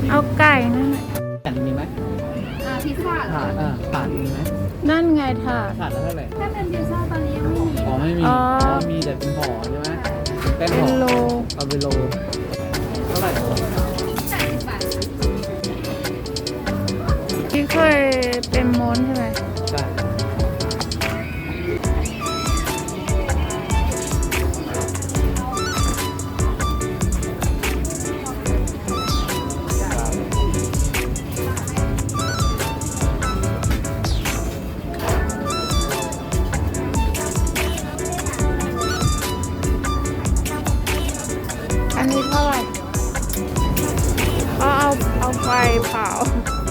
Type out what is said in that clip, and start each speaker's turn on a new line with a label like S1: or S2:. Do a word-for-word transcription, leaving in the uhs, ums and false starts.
S1: เอาไก่นั่นแหละ
S2: ถาดมีไหม
S3: อ่าพิซซ่าเหร
S2: ถา
S3: อ
S2: ดอ่าถาดมีไหม
S1: นั่นไงถาด
S2: ถาดละเท่าไหร่
S3: ถ้าเป็นพิซซ่าตอนนี้ยังไม่มี
S2: อ๋อไม่มี
S1: อ๋
S2: อ๋
S1: อ
S2: อมีแต่เป็นห่อใช่ไหมเป็น
S1: เป็
S2: ห่
S1: น
S2: อ
S1: โล
S2: เอาเป็นโลเท่าไหร่
S3: แปดสิบบาทค่ะ
S1: ที่เคยเป็นม้วนใช่ไหม
S2: ใช่
S1: อันนี้เท่าไหร่ก็เอาเอาไฟเผา